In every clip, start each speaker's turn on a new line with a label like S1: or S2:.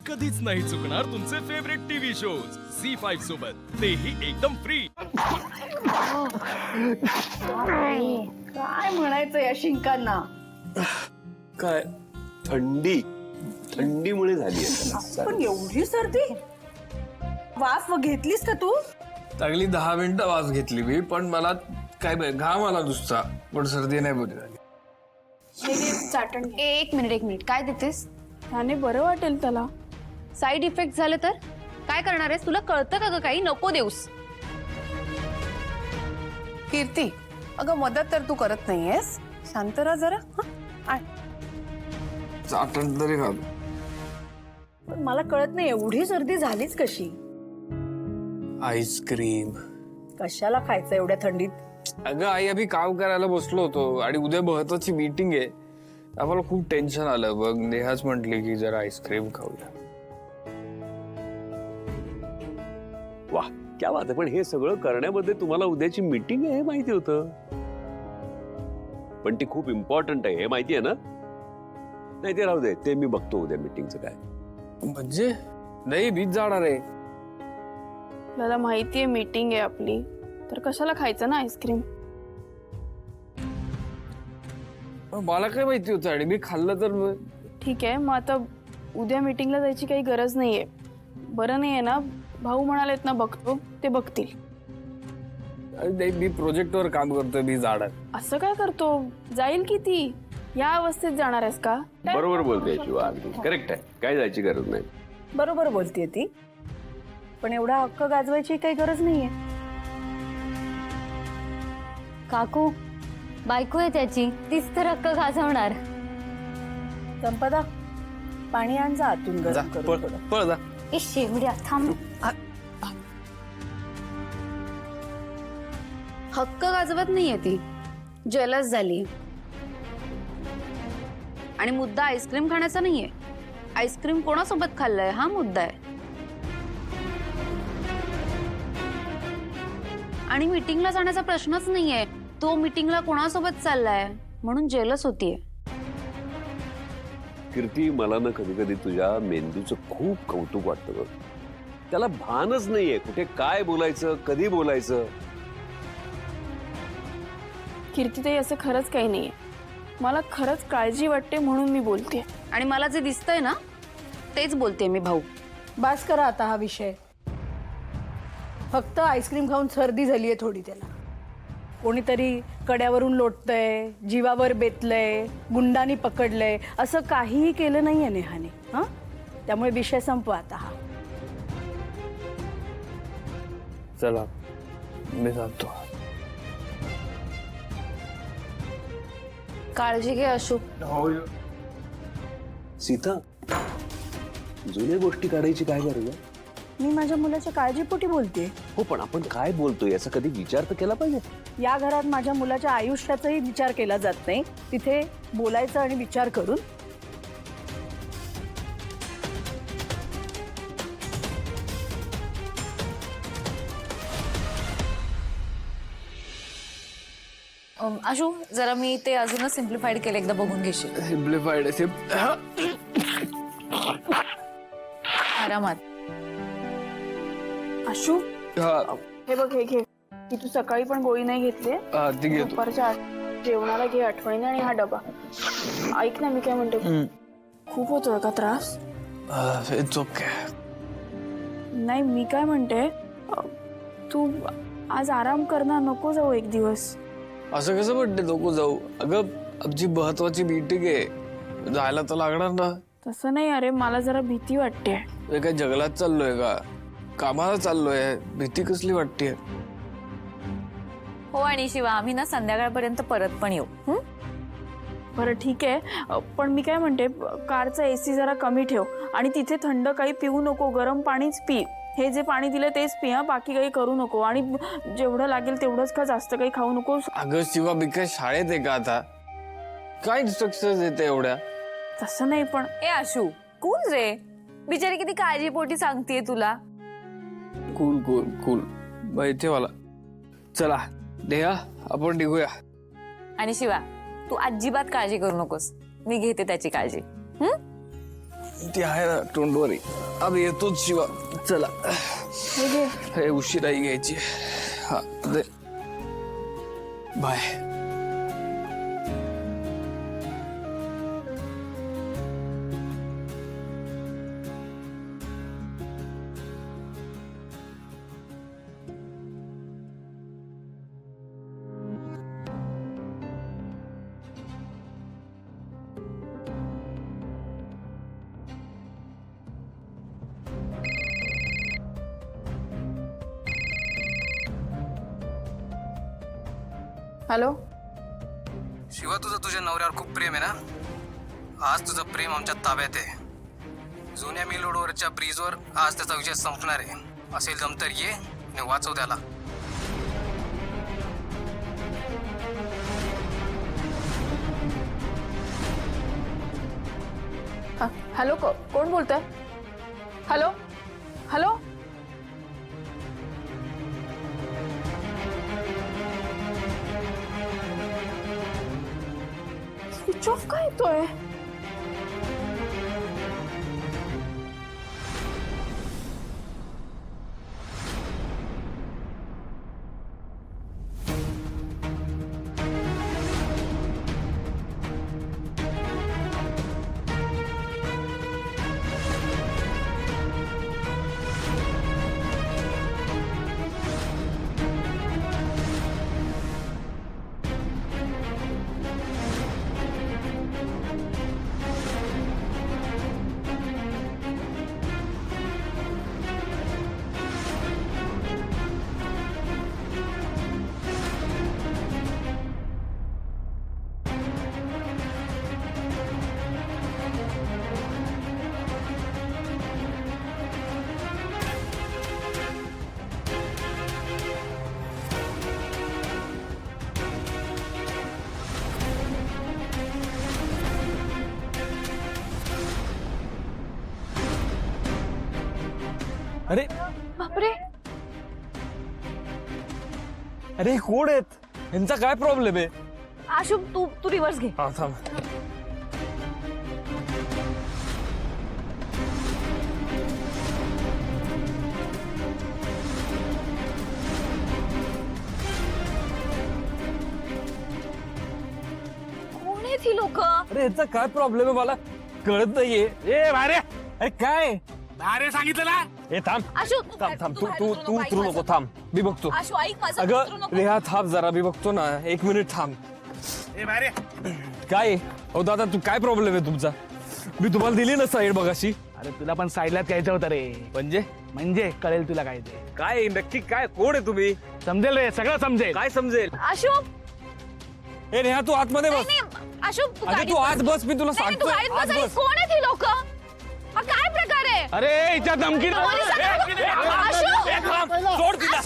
S1: कधीच नाही चुकणार तुमचे फेवरेट टीव्ही शोज झी5 सोबत, तेही एकदम फ्री।
S2: काय म्हणायचं या शिंकांना?
S3: काय थंडीमुळे झाली आहे
S2: पण एवढी सर्दी? वाफ घेतलीस का तू?
S4: चांगली 10 मिनिटं वाफ घेतली मी, पण मला काय घाम आला नुसता, पण सर्दी नाही बरी झाली।
S5: चाटण
S6: एक मिनिट काय देतेस?
S5: त्याने बरं वाटेल त्याला।
S6: साइड इफेक्ट झाले तर काय करणार आहेस? तुला कळतं का ग काही? नको देऊस।
S2: कीर्ती, अगं मदत तर तू करत नाहीयेस, शांत राहा जरा।
S4: चाटण तरी घाल।
S2: पण मला कळत नाही एवढी सर्दी झालीच कशी?
S4: आईस्क्रीम।
S2: कशाला खायचं एवढ्या थंडीत?
S4: अगं आई, अभी काम करायला बसलो होतो आणि उद्या महत्वाची मीटिंग आहे, आम्हाला खूप टेन्शन आलं बघ। नेहाच म्हटली की जरा आईस्क्रीम खाऊया।
S3: वाह, क्या बात आहे। पण हे सगळं करण्यामध्ये तुम्हाला उद्याची मीटिंग आहे हे माहिती होतं, पण ती खूप इम्पॉर्टंट आहे हे माहिती आहे ना? नाही ते राहू दे, ते मी बघतो उद्या मीटिंगचं काय।
S4: म्हणजे नाही, बीच जाणार आहे।
S5: आपल्याला माहितीये मीटिंग आहे आपली, तर कशाला खायचं ना आईस्क्रीम?
S4: मला काय माहिती होतं आणि मी खाल्लं तर?
S5: ठीक आहे, मग आता उद्या मीटिंगला जायची काही गरज नाहीये। बरं नाहीये ना? भाऊ म्हणालेत ना बघतो, ते बघतील।
S4: नाही, मी प्रोजेक्टवर काम करतोय, मी जाणार।
S5: असं काय करतो? जाईल की ती? या अवस्थेत जाणार आहेस का?
S3: बरोबर बोलते शिवा, अगदी करेक्ट आहे, काय जायची गरज नाही।
S2: बरोबर बोलतीये ती, पण एवढा हक्क गाजवायची काही गरज नाहीये।
S6: काकू, बायको आहे त्याची, तीच तर हक्क गाजवणार।
S2: संपदा, पाणी आण जा आतून गरम करून थोडं।
S4: पळ जा।
S6: ए शेवड्या, थांब। हक्क गाजवत नाहीये ती, जेलस झाली। आणि मुद्दा आईस्क्रीम खाण्याचा नाहीये। आईस्क्रीम कोणासोबत खाल्लंय हा मुद्दा आहे। आणि मीटिंगला जाण्याचा प्रश्नच नाहीये, तो मीटिंगला कोणासोबत चाललाय म्हणून जेलस होतीये।
S3: कीर्ती, मला ना कधी कधी तुझ्या मेंदूचं खूप कौतुक वाटतं बघ। त्याला भानच नाहीये कुठे काय बोलायचं, कधी बोलायचं।
S5: कीर्तीताई, असं खरंच काही नाहीये। मला खरंच काळजी वाटते म्हणून मी बोलते।
S6: आणि मला जे दिसतंय ना तेच बोलते मी भाऊ।
S2: बास करा आता हा विषय। फक्त आईस्क्रीम खाऊन सर्दी झालीये थोडी त्याला। कोणीतरी कड्यावरून लोटतंय, जीवावर बेतलंय, गुंडानी पकडलंय, असं काहीही केलं नाहीये नेहाने। हा, त्यामुळे विषय संपवा आता हा।
S4: चला, मी जातो।
S6: काळजी घे अशोक।
S3: सीता, जुन्या गोष्टी काढायची काय गरज आहे?
S2: मी माझ्या मुलाच्या काळजीपोटी बोलते।
S3: हो, पण आपण काय बोलतोय याचा कधी विचार तर केला पाहिजे।
S2: या घरात माझ्या मुलाच्या आयुष्याचाही विचार केला जात नाही, तिथे बोलायचं आणि विचार करून।
S6: आशू, जरा मी ते अजूनच सिम्प्लिफाईड केलं, एकदा बघून घेशील?
S4: सिम्प्लिफाईड
S6: आरामात।
S5: आशू, हे बघ, हे घे। की तू सकाळी पण गोळी नाही घेतली, दुपारच्या जेवणाला घे आठवणीने, आणि हा डबा। ऐक ना, मी काय म्हणते, खूप होतोय का त्रास?
S4: It's okay.
S5: नाही, मी काय म्हणते, तू आज आराम करणार, नको जाऊ एक दिवस।
S4: असं कसं म्हणते नको जाऊ? अगं, आमची महत्वाची मीटिंग आहे, जायला तर लागणार ना।
S5: तसं नाही, अरे मला जरा भीती वाटते।
S4: मी काय जंगलात चाललोय का? कामाला चाललोय, भीती कसली वाटते?
S6: हो, आणि शिवा, आम्ही ना संध्याकाळपर्यंत परत पण येऊ।
S5: बरं ठीक आहे, पण मी काय म्हणते, कारचा एसी जरा कमी ठेव, आणि तिथे थंड काही पिऊ नको, गरम पाणीच पी। हे जे पाणी दिलं तेच पी, हा, बाकी काही करू नको। आणि जेवढं लागेल तेवढंच का, जास्त काही खाऊ नको।
S4: अगं शिवा, मी काय शाळेत आहे का आता? काय इन्स्ट्रक्शन देते एवढ्या?
S5: तसं नाही, पण
S6: ए आशू, कूल रे, बिचारी किती काळजीपोटी सांगतेय तुला।
S4: कूल कूल कूल, माहिती मला। चला नेहा, आपण निघूया।
S6: आणि शिवा, तू अजिबात काळजी करू नकोस, मी घेते त्याची काळजी।
S4: ती आहे ना टोंडवरी. अब येतोच शिवा. चला
S5: हे घे.
S4: हे उशिराही घ्यायची. हा दे. बाय.
S5: हॅलो.
S7: शिवा, तुझं तुझ्या नवऱ्यावर खूप प्रेम आहे ना. आज तुझं प्रेम आमच्या ताब्यात आहे. जुन्या मिल रोडवरच्या ब्रिजवर आज त्याचा विजय संपणार आहे. असेल जम तर ये आणि वाचव त्याला.
S5: हॅलो, कोण बोलतंय? Hello hello. स्विच ऑफ का येतोय?
S8: अरे
S5: बापरे.
S8: अरे कोण आहेत? यांचा काय प्रॉब्लेम आहे?
S2: आशु, तू रिव्हर्स घे.
S8: हा थांब.
S5: कोण आहेत ही लोक?
S8: अरे यांचा काय प्रॉब्लेम आहे मला कळत नाहीये. ए भारे, अरे काय?
S1: अरे सांगितलं ना.
S8: ए थांब
S5: आशु,
S8: थांब थांब. तू उतरू नको. थांब, मी बघतो.
S5: आशु, ऐक माझं.
S8: अगं रेहा, थांब जरा, मी बघतो ना. 1 मिनिट थांब.
S1: ए बारे,
S8: काय? हो दादा, तू काय प्रॉब्लेम आहे तुमचा? मी तुम्हाला दिली ना साईड बघाशी.
S9: अरे तुला पण साईडलाच यायचं होतं रे. म्हणजे कळेल तुला काय ते.
S8: काय नक्की काय? कोण आहे तुम्ही?
S9: समजेल रे, सगळं समजेल.
S8: काय समजेल?
S5: आशु,
S8: ए नेहा, तू आतमध्ये बस.
S5: आशु,
S8: अगं तू आत बस, मी तुला सांगतो. आत बस.
S5: कोण आहेत ही लोक? हा काय प्रकार आहे?
S9: अरे हिच्या धमकी
S8: सोड तिला.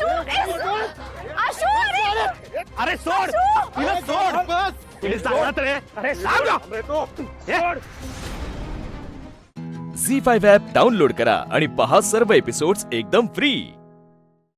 S9: अरे सोड तिला, सोड. तिने सांगत रे. अरे सांग.
S1: झी 5 ॲप डाउनलोड करा आणि पहा सर्व एपिसोड्स एकदम फ्री.